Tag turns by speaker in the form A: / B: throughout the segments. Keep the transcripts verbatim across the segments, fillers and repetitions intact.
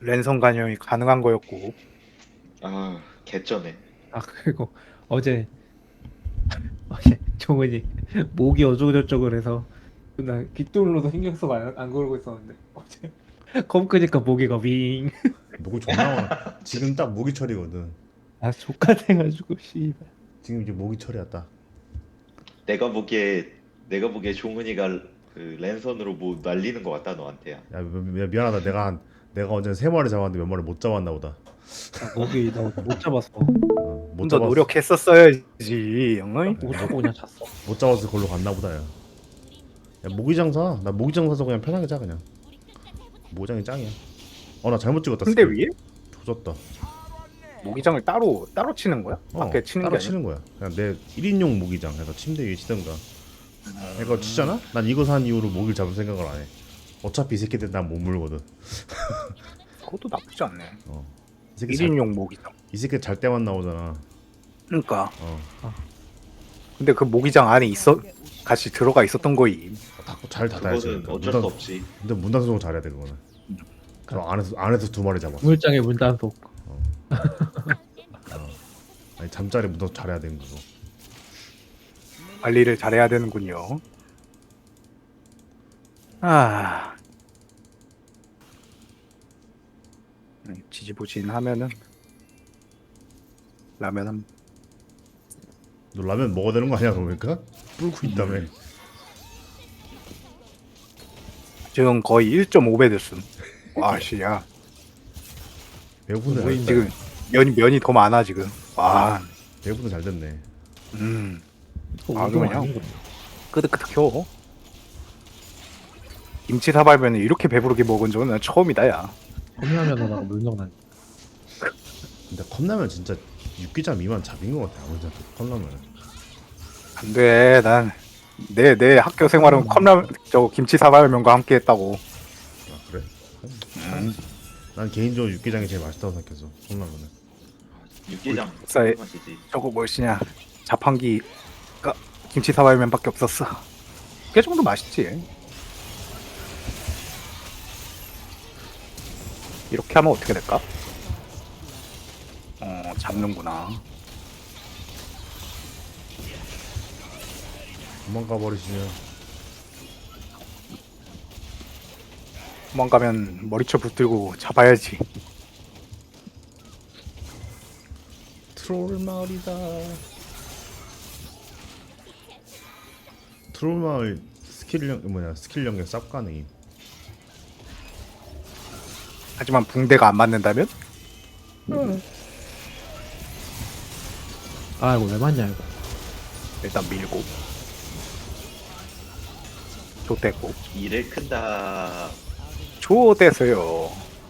A: 랜선 간염이 가능한 거였고.
B: 아, 개쩌네.
C: 아 그리고 어제 어제 종은이 목이 어쩌고저쩌고 그래서 나 귓불로도 신경 쓰고 안, 안 그러고 있었는데 어제 검 끄니까 모기가 윙.
D: 목이 존나 많아. 지금 딱 모기철이거든.
C: 아 족같아가지고 씨발.
D: 지금 이제 모기철이야 딱.
B: 내가 보기에 내가 보기에 종은이가 그 랜선으로 뭐 날리는 것 같다 너한테야.
D: 야 미, 미- 미안하다. 내가 한 내가 어제 세 마리 잡았는데 몇 마리 못 잡았나 보다.
C: 아, 모기 나 못 잡았어.
D: 어, 못
A: 좀 더
D: 잡았
A: 노력했었어야지, 형님.
C: 못 잡고 그냥 잤어.
D: 못 잡아서 걸로 갔나 보다. 야, 야 모기장 사. 나 모기장 사서 그냥 편하게 자 그냥. 모장이 짱이야. 어 나 잘못 찍었다.
A: 근데
D: 스킬.
A: 위에
D: 조졌다.
A: 모기장을 따로 따로 치는 거야?
D: 어,
A: 밖에 치는
D: 따로
A: 게 아니야?
D: 치는 거야. 그냥 내 일 인용 모기장 해서 침대 위에 치든가. 이거 치잖아? 난 이거 산 이후로 모기를 잡을 생각을 안 해. 어차피 이 새끼들 난 못 물거든.
A: 그것도 나쁘지 않네.
D: 어. 이 새끼 잘,
A: 일 인용 모기장.
D: 이 새끼 잘 때만 나오잖아.
A: 그러니까.
D: 어.
A: 근데 그 모기장 안에 있어 같이 들어가 있었던 거임.
D: 닫고 잘 닫아야지.
B: 그거는
D: 그러니까.
B: 어쩔
D: 문
B: 수
D: 닫-
B: 없이.
D: 근데 문 닫아서 잘해야 돼 그거는. 그럼 안에서 안에서 두 마리 잡았어.
C: 물장의 문단속.
D: 아니 잠자리 문 닫아서 잘해야 되는 거고.
A: 관리를 잘해야 되는군요. 아, 음, 지지부진하면은 라면 한
D: 너 라면 먹어야 되는 거 아니야 그러니까? 불고 있다며.
A: 지금 거의 일 점 오 배 됐음. 와, 씨야.
D: 배고픈데
A: 우리
D: 잘
A: 지금 면이 면이 더 많아 지금. 와,
D: 배고픈데 잘 됐네.
A: 음,
C: 아
A: 아,
C: 그냥
A: 그냥. 끄덕끄덕 켜. 김치 사발면을 이렇게 배부르게 먹은 적은 난 처음이다, 야.
C: 컵라면하다가 물렁 난.
D: 근데 컵라면 진짜 육개장 미만 잡인 것 같아 아무리 생각해도 컵라면은.
A: 안 돼, 난. 내, 내 학교 생활은 컵라면, 저 김치 사발면과 함께 했다고.
D: 아 그래?
A: 음.
D: 난 개인적으로 육개장이 제일 맛있다고 생각해서 컵라면은.
B: 육개장
A: 국사에-
B: 맛이지.
A: 저거 뭐시냐. 자판기가 김치 사발면밖에 없었어. 그 정도 맛있지. 이렇게 하면 어떻게 될까? 어, 잡는구나.
D: 도망가 버리시면.
A: 도망가면 머리채 붙들고 잡아야지.
D: 트롤 마을이다. 트롤 마을 스킬 영 뭐냐 스킬 연계 쌉 가능임.
A: 하지만 붕대가 안 맞는다면?
C: 아 이거 왜 맞냐 이거.
A: 일단 밀고. 좋댔고.
B: 일을 큰다.
A: 좋댔어요.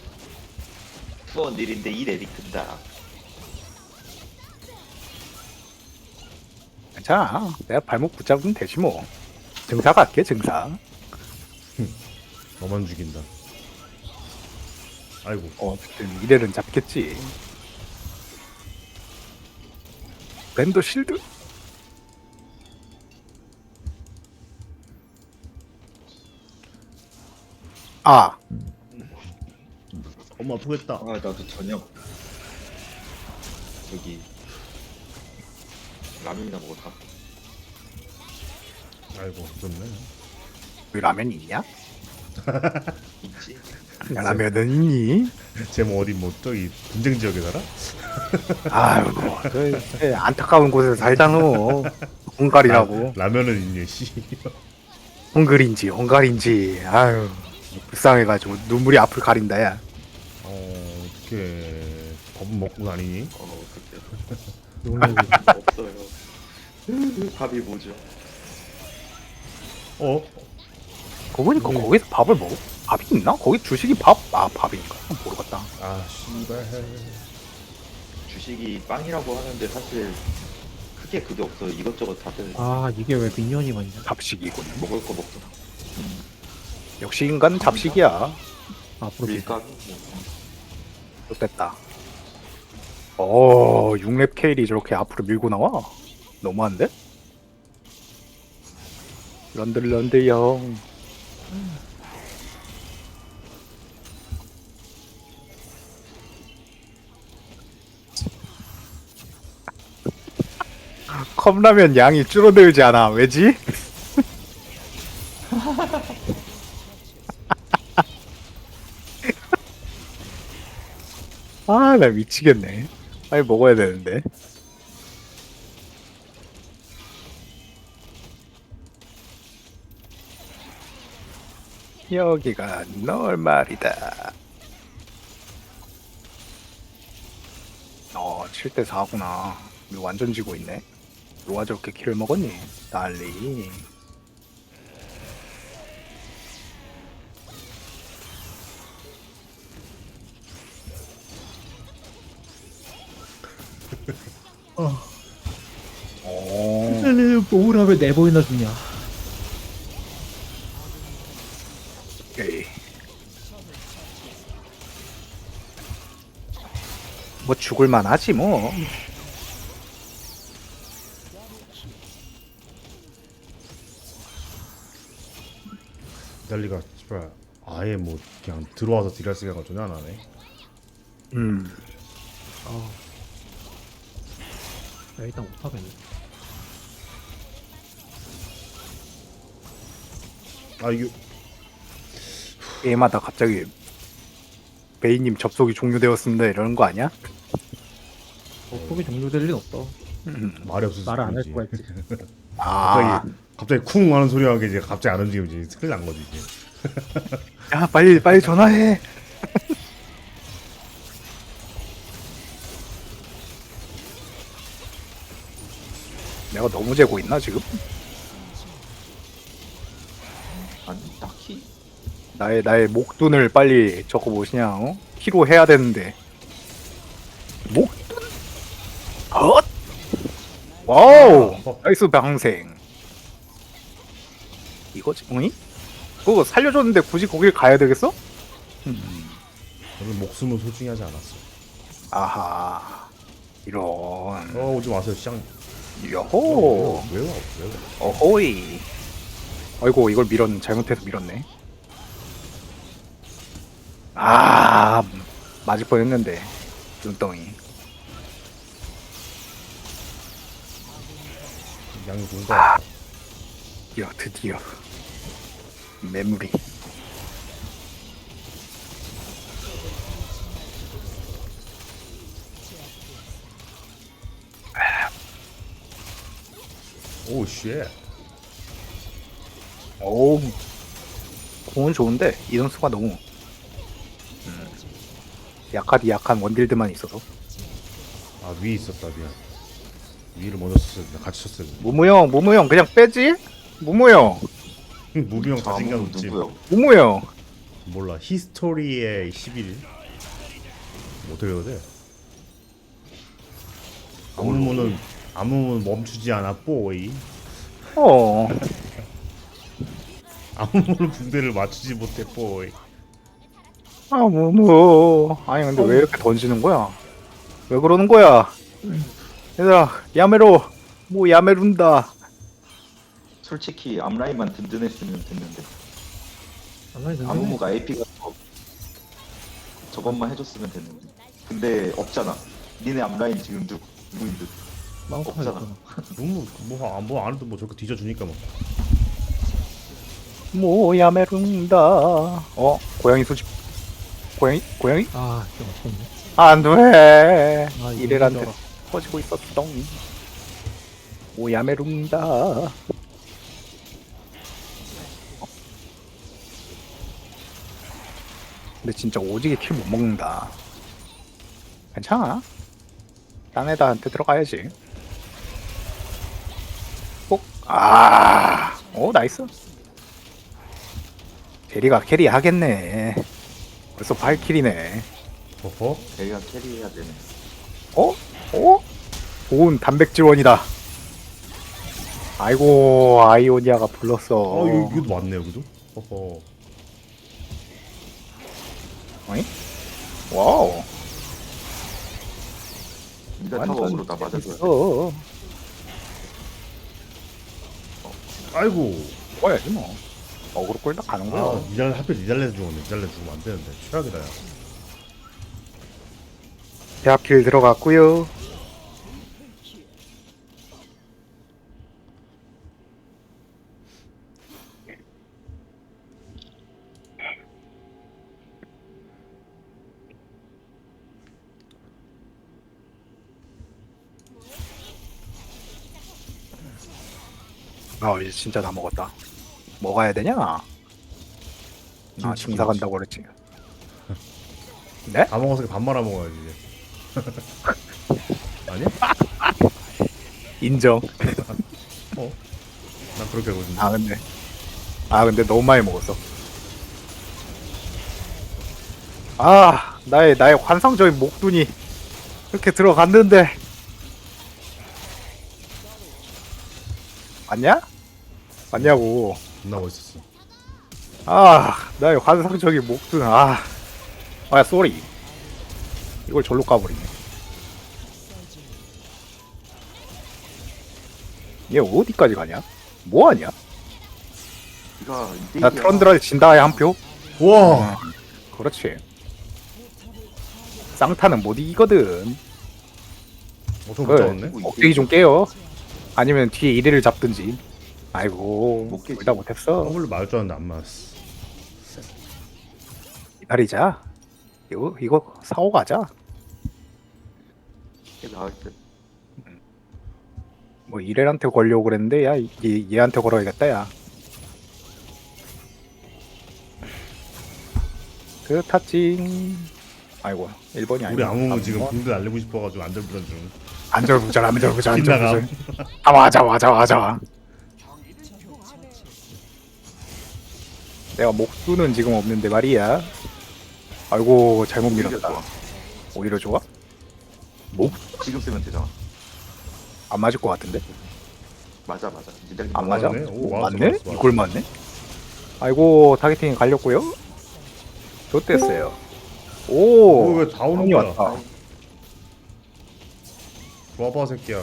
B: 투원 일인데 일이 큰다.
A: 괜찮아. 내가 발목 붙잡으면 되지 뭐. 증사 갈게, 증사.
D: 너만 죽인다. 아이고.
A: 어, 어쨌든 이래는 잡겠지. 랜더 실드? 아,
D: 엄마 아프겠다.
B: 아 나도 저녁 저기 라면이나 먹을까?
D: 아이고 좋네.
A: 왜 라면이 있냐?
B: 있지.
A: 야, 라면은 있니?
D: 쟤뭐 어디 뭐 저기 분쟁 지역에 살아?
A: 아유, 그, 그 안타까운 곳에서 살잖아. 헝가리라고.
D: 라, 라면은 있니 씨.
A: 헝그리인지, 헝가리인지. 아유, 불쌍해가지고 눈물이 앞을 가린다, 야.
D: 어 어떻게 밥은 먹고 다니니?
B: 어 그때
C: 용량이
B: 없어요. 밥이 뭐죠?
D: 어?
A: 그거 보니까 거기서 밥을 먹어? 밥이 있나? 거기 주식이 밥? 아, 밥인가? 모르겠다.
D: 아 씨발.
B: 주식이 빵이라고 하는데 사실 크게 그게 없어. 이것저것 다들
C: 아 이게 왜 미니언이 많냐.
A: 잡식이군.
B: 먹을 거 먹고
A: 역시 인간은 잡식이야.
C: 앞으로
B: 밀가루 뭐
A: 됐다. 어, 육 렙 케일이 저렇게 앞으로 밀고 나와? 너무한데? 런들 런들 형. 컵라면 양이 줄어들지 않아. 왜지? 아, 나 미치겠네. 빨리 먹어야 되는데. 여기가 널 말이다. 어, 칠 대 사구나. 우리 완전 지고 있네. 누가 저렇게 킬을 먹었니? 난리. 어.
C: 뭘 하면 네 번이나 주냐.
A: 오케이. 뭐 죽을만 하지 뭐.
D: 달리가 씨발 아예 뭐 그냥 들어와서 딜할 생각을 전혀 안 하네.
A: 음.
C: 아, 야, 일단 못하겠네.
D: 아 이거
A: 게임하다 갑자기 베이님 접속이 종료되었습니다 이러는 거 아니야?
C: 어, 속이 종료될 린 없어.
A: 음.
D: 말이 없어서
C: 말을 안 할
D: 그러지.
C: 수가 있지.
A: 아,
D: 갑자기 갑자기 쿵 하는 소리 하게 이제 갑자기 안 움직이지. 큰일 난 거지 이제.
A: 야 빨리 빨리 전화해. 내가 너무 재고 있나 지금?
B: 아니 딱히
A: 나의 나의 목둔을 빨리 적어 보시냐? 어? 키로 해야 되는데. 목둔? 헛! 와우! 나이스 방생. 이거지? 어이? 그거 살려줬는데 굳이 거길 가야 되겠어? 음.
D: 저는 목숨을 소중히 하지 않았어.
A: 아하. 이런.
D: 어 오지 마세요 시장.
A: 여호.
D: 왜요? 왜요?
A: 어호이. 아이고 이걸 밀었 잘못해서 밀었네. 아 맞을 뻔했는데 눈덩이.
D: 양이 뭔가
A: 드디어 드디어 메모리.
D: 오 쉣.
A: 오 공은 좋은데 이동수가 너무 음, 약하디 약한 원딜드만 있어서.
D: 아 위에 있었다 미안. 위를 먼저 썼어야 돼. 같이 썼어야 돼.
A: 무무형 무무형 그냥 빼지? 무무형
D: 무비형 자신감
B: 아무
D: 없지.
B: 누구요?
A: 무무형
D: 몰라 히스토리의 십일 일 어떻게 해야 돼? 아무문은 아무문 멈추지 않아 뽀이.
A: 어
D: 아무문 붕대를 맞추지 못해 뽀이.
A: 아, 무무. 아니, 근데 왜 이렇게 던지는 거야? 왜 그러는 거야? 얘들아, 야메로. 뭐, 야메룬다.
B: 솔직히 앞라인만 든든했으면 됐는데
C: 안나이 든
B: 아무무가 에이피가 저것만 해줬으면 됐는데 근데 없잖아. 니네 앞라인 지금 누 누구인 듯
C: 마우스가
B: 없잖아.
D: 너무 뭐뭐안 해도 뭐 저렇게 뒤져주니까 뭐.
A: 뭐, 야메룬다. 어, 고양이 소집. 고양이? 고양이?
C: 아, 좀 아쉽네.
A: 안 돼.
C: 아, 이거
A: 이래란테
C: 힘들어.
A: 터지고 있었어. 뭐, 야메룬다. 근데 진짜 오지게 킬 못 먹는다. 괜찮아. 딴 애들한테 들어가야지. 꼭. 아, 오 나이스. 제리가 캐리 하겠네. 벌써 팔 킬이네.
D: 허허.
B: 걔가 캐리해야 되네.
A: 어? 어? 좋은 단백질원이다. 아이고 아이오니아가 불렀어.
D: 어 여기, 여기도 왔네 여기도. 허허.
A: 어이? 와우.
B: 니가 타워으로 다 맞아줘야 돼.
A: 어.
D: 아이고.
A: 먹어야지 뭐. 어그로 꼴딱 가는 거야.
D: 아 니달 하필 니달레 죽었네. 니달레 죽으면 안 되는데 최악이다 야.
A: 대합킬 들어갔고요. 아 이제 진짜 다 먹었다. 먹어야 되냐? 아
D: 김치,
A: 증사
D: 김치.
A: 간다고 그랬지. 네?
D: 다 먹어서 밥 말아 먹어야지 이제. 아니야?
A: 인정.
D: 난 그렇게 하거든.
A: 아 근데 아 근데 너무 많이 먹었어. 아 나의 나의 환상적인 목둔이 이렇게 들어갔는데 맞냐? 맞냐고.
D: 존나 멋있었어.
A: 아 나의 환상적인 목둔. 아, 아 쏘리. 이걸 절로 까버리네. 얘 어디까지 가냐? 뭐하냐?
B: 이거
A: 나 트런드라 진다에 한 표?
D: 와.
A: 그렇지. 쌍타는 못 이기거든.
D: 어서 못
A: 그래.
D: 잡았네.
A: 억제기 좀 깨요. 아니면 뒤에 일 위를 잡든지. 아이고,
B: 못 깨지.
A: 둘 다 못했어.
D: 더블로 맞을 줄 알았는데 안 맞았어.
A: 기다리자. 이거 이거 사고 가자.
B: 나올 때
A: 뭐 이래한테 걸려고 그랬는데 야 얘, 얘한테 걸어야겠다 야. 그 탔징. 아이고 일 번이 아니고.
D: 우리 아무 지금 붕대 날리고 싶어가지고 안절부절 중.
A: 안절부절 안절부절
D: 빗나감.
A: 안절부절. 아 맞아 맞아 맞아. 내가 목수는 지금 없는데 말이야. 아이고 잘못
B: 오히려
A: 밀었다.
B: 좋아.
A: 오히려 좋아?
B: 지금 쓰면 되잖아.
A: 안 맞을 것 같은데?
B: 맞아 맞아. 니들
A: 안 맞아?
D: 맞네? 오,
A: 오,
D: 맞았어,
A: 맞네?
D: 맞았어, 맞았어.
A: 이걸 맞네? 아이고 타겟팅이 갈렸고요. 좋댔어요. 오,
D: 오, 왜다 오는
A: 형이
D: 거야?
A: 왔다.
D: 좋아봐 새끼야.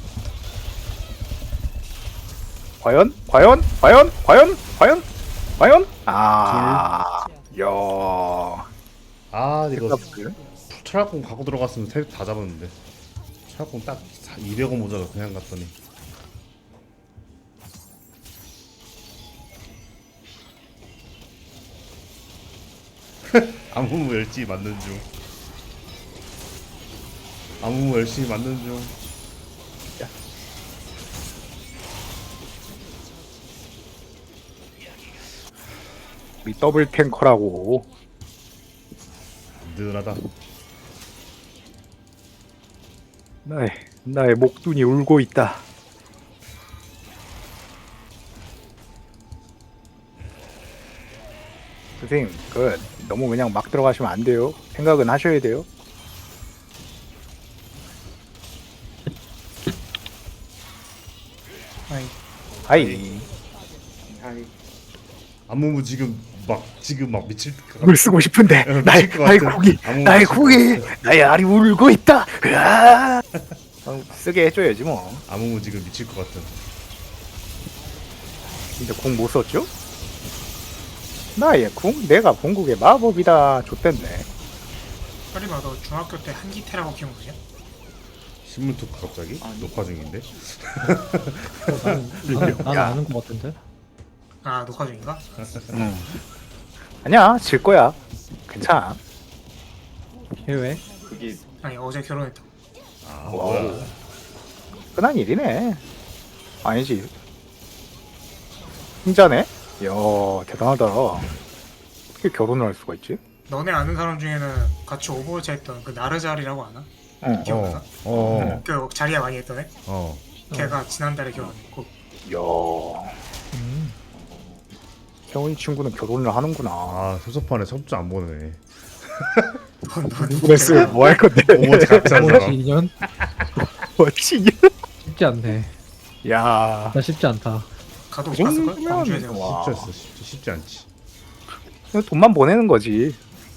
A: 과연? 과연? 과연? 과연? 과연? 과연? 아, 야,
D: 아 이거
A: tek사스.
D: 철학공 갖고 들어갔으면 세 다 잡았는데. 철학공 딱 이백 원 모자라 그냥 갔더니. 아무 열심히 만든 중. 아무 열심히 만든 중.
A: 우리 더블 탱커라고.
D: 든든하다.
A: 나의 나의 목둔이 울고 있다. 선생님, 그 너무 그냥 막 들어가시면 안 돼요. 생각은 하셔야 돼요.
C: 아이,
A: 아이,
B: 하이.
D: 아무무 지금 막 지금 막 미칠 것 같아.
A: 물 쓰고 싶은데
D: 어,
A: 나의
D: 미칠 것
A: 나의
D: 같아.
A: 고기,
D: 아무
A: 나의
D: 미칠 것
A: 고기,
D: 같아.
A: 나의 알이 울고 있다. 으아! 어, 쓰게 해줘야지 뭐.
D: 아무무 지금 미칠 것 같은.
A: 근데 궁 못 썼죠? 나의 궁? 내가 본국의 마법이다. 좆됐네.
E: 설리마 너 중학교 때 한기태라고 기억나냐?
D: 신문 토크 갑자기
B: 아니.
D: 녹화 중인데.
C: 나는, 나는
A: 야.
C: 아는 것 같은데.
E: 아 녹화 중인가?
A: 응. 아니야, 질 거야. 괜찮아.
C: 해외?
B: 그게
E: 아니 어제 결혼했다.
D: 아
A: 와우.
D: 뭐야?
A: 흔한 일이네. 아니지. 혼자네? 이야, 대단하다. 어떻게 결혼을 할 수가 있지?
E: 너네 아는 사람 중에는 같이 오버워치 했던 그 나르자리라고 아나?
A: 응.
E: 기억나?
D: 어. 어.
E: 그 자리야 많이 했던 애?
D: 어.
E: 걔가 지난달에 결혼했고
A: 이야,
C: 음.
A: 형이 친구는 결혼을 하는구나.
D: 아 소소판에 섭주 안 보네.
E: 넌
A: 누구랬어요? 뭐 할 건데?
D: 오버워치 같이 한
C: 오버워치
D: 사람.
C: 이 년?
A: 뭐지?
C: 쉽지 않네.
A: 야,
C: 나 쉽지 않다.
E: 가도
A: 그
E: 못 갔을걸?
A: 정도면-
E: 광주에서.
A: 와.
D: 쉽지 않어. 쉽지, 쉽지 않지.
A: 돈만 보내는 거지.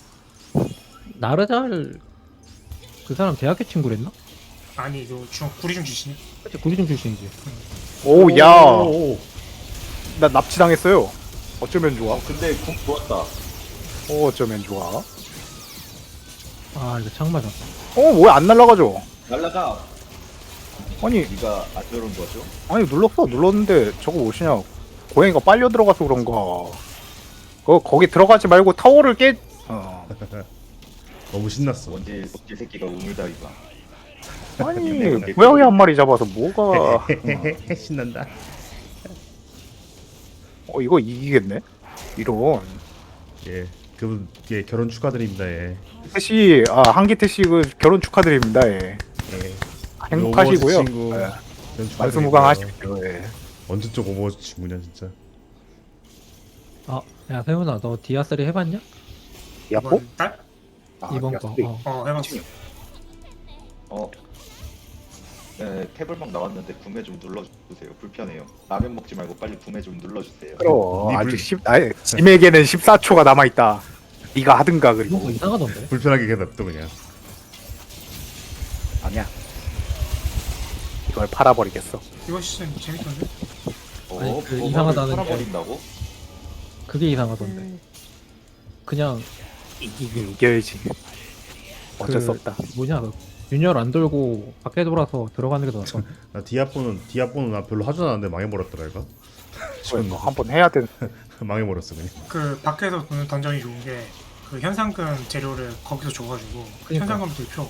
C: 나르잘 그 사람 대학교 친구랬나?
E: 아니 너 중학 구리중 출신이야?
C: 그치 구리중 출신이지.
A: 오, 야,
D: 오, 오.
A: 나 납치당했어요. 어쩌면 좋아?
B: 어 근데 궁 좋았다.
A: 어, 어쩌면 좋아?
C: 아 이거 창 맞았다.
A: 어, 뭐야 안 날라가죠?
B: 날라가.
A: 아니,
B: 네가 안 누른 거죠?
A: 아니 눌렀어, 눌렀는데 저거 무엇이냐? 고양이가 빨려 들어가서 그런가? 거 거기 들어가지 말고 타워를 깨. 어.
D: 너무 신났어.
B: 언제 언제 새끼가 우물다리가.
A: 아니 고양이 한 마리 잡아서 뭐가? 어.
D: 신난다.
A: 어 이거 이기겠네. 이런.
D: 예, 그분 예 결혼 축하드립니다. 예.
A: 태씨 아 한기태 씨그 결혼 축하드립니다. 예.
D: 예.
A: 행복하시고요.
D: 오버워치 친구
A: 예.
D: 결혼 축하드리고요.
A: 만수무강하십시오. 예.
D: 언제적 오버워치 친구냐 진짜.
C: 아, 야 세훈아, 너 디아쓰리 해봤냐?
A: 야뽀?
E: 이번 달?
A: 아,
C: 이번
A: 야,
C: 거.
A: 네.
C: 어.
E: 어 해봤어.
B: 어. 네, 태블방 나왔는데 구매 좀 눌러주세요. 불편해요. 라면 먹지 말고 빨리 구매 좀 눌러주세요.
A: 그럼
D: 니
A: 아직
D: 불-
A: 십 아니 짐에게는 십사 초가 남아 있다. 네가 하든가 그리고
C: 이런 거 이상하던데.
D: 불편하게 그냥 냅둬 그냥.
A: 아니야. 이걸 팔아버리겠어.
E: 이번 시즌 재밌던데?
B: 어,
C: 아니, 그
B: 그거를
C: 이상하다는 게-
B: 팔아버린다고?
C: 그게 이상하던데. 그냥
A: 이긴 이겨야지. 어쩔
C: 그-
A: 수 없다.
C: 뭐냐, 그 균열 안 돌고 밖에 돌아서 들어가는 게 더 낫다.
D: 나 디아포는 디아포는 나 별로 하지 않았는데 망해버렸더라 이거.
A: 이거 한번 해야 돼.
D: 망해버렸어 그냥.
E: 그 밖에서 보는 던전이 좋은 게 그 현상금 재료를 거기서 줘가지고
C: 그러니까.
E: 현상금도 표.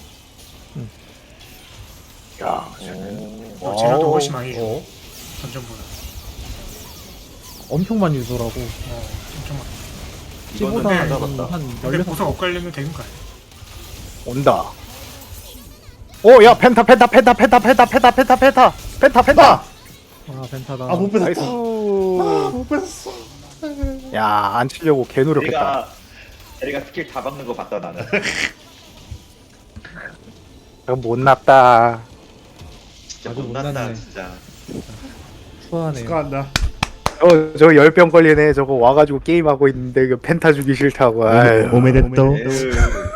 A: 야,
E: 어, 재료도
A: 와우.
E: 훨씬 많이 줘.
D: 어?
E: 던전보다.
C: 엄청 많이 주더라고.
E: 어 엄청 많이.
B: 이거는
C: 치보다
B: 안
C: 한
B: 잡았다.
E: 근데
C: 열여섯
E: 보석 엇갈리면 되는 거야.
A: 온다. 오, 야 펜타 펜타 펜타 펜타 펜타 펜타 펜타 펜타 펜타 펜타.
C: 아, 벤타다.
D: 아못
A: 나이스.
D: 뺐어. 못 뺐어.
A: 야, 안 치려고 개 노력했다.
B: 내가 내가 스킬 다 박는 거 봤다 나는.
A: 그럼 못 났다.
B: 진짜
C: 아주
B: 못났다
C: 못났네.
B: 진짜.
C: 추하네요.
D: 축하한다.
A: 어, 저 열병 걸리네. 저거 와가지고 게임하고 있는데 그 펜타 주기 싫다고. 아유.
D: 오메데또.
B: 에휴.